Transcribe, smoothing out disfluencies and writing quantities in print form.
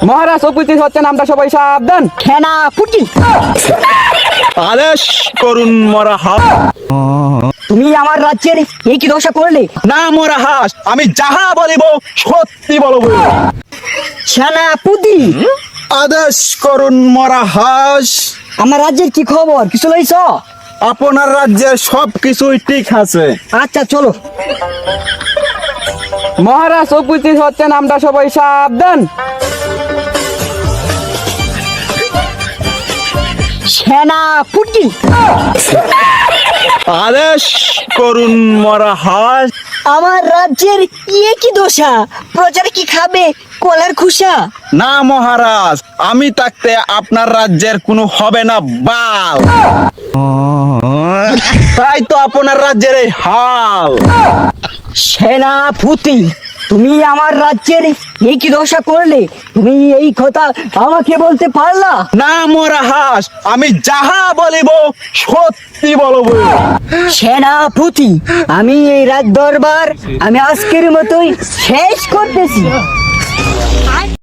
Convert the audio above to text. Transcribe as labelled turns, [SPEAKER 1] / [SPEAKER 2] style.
[SPEAKER 1] মহারাজ উপস্থিত হচ্ছেন, আমরা সবাই সাবধান।
[SPEAKER 2] সেনাপতি
[SPEAKER 3] আদেশ করুন মহারাজ।
[SPEAKER 2] তুমি আমার রাজ্যের এই কি দশা করলে?
[SPEAKER 3] না মহারাজ, আমি যাহা বলিব সত্যি বলব।
[SPEAKER 2] সেনাপতি
[SPEAKER 3] আদেশ করুন মহারাজ।
[SPEAKER 2] আমার রাজ্যের কি খবর, কিছু লইছ?
[SPEAKER 3] আপনার রাজ্যের সবকিছুই ঠিক আছে।
[SPEAKER 2] আচ্ছা চলো।
[SPEAKER 1] মহারাজ উপস্থিত হচ্ছেন, আমরা সবাই সাবধান।
[SPEAKER 2] সেনাপতি
[SPEAKER 3] আদেশ করুন মহারাজ।
[SPEAKER 2] আমার রাজ্যের ইয়ে কি দশা, প্রজারা কি খাবে কলার খুসা?
[SPEAKER 3] না মহারাজ, আমি থাকতে আপনার রাজ্যের কোনো হবে না বাল। তাই তো আপনার রাজ্যের এই হাল।
[SPEAKER 2] সেনাপতি তুমি আমার রাজ্যের এই কি দশা করলে? তুমি এই কথা আমাকে বলতে পারলা?
[SPEAKER 3] না মহারাজ, আমি যাহা বলিব সত্যি বলব।
[SPEAKER 2] সেনাপতি আমি এই রাজ দরবার আমি আজকের মতোই শেষ করতেছি।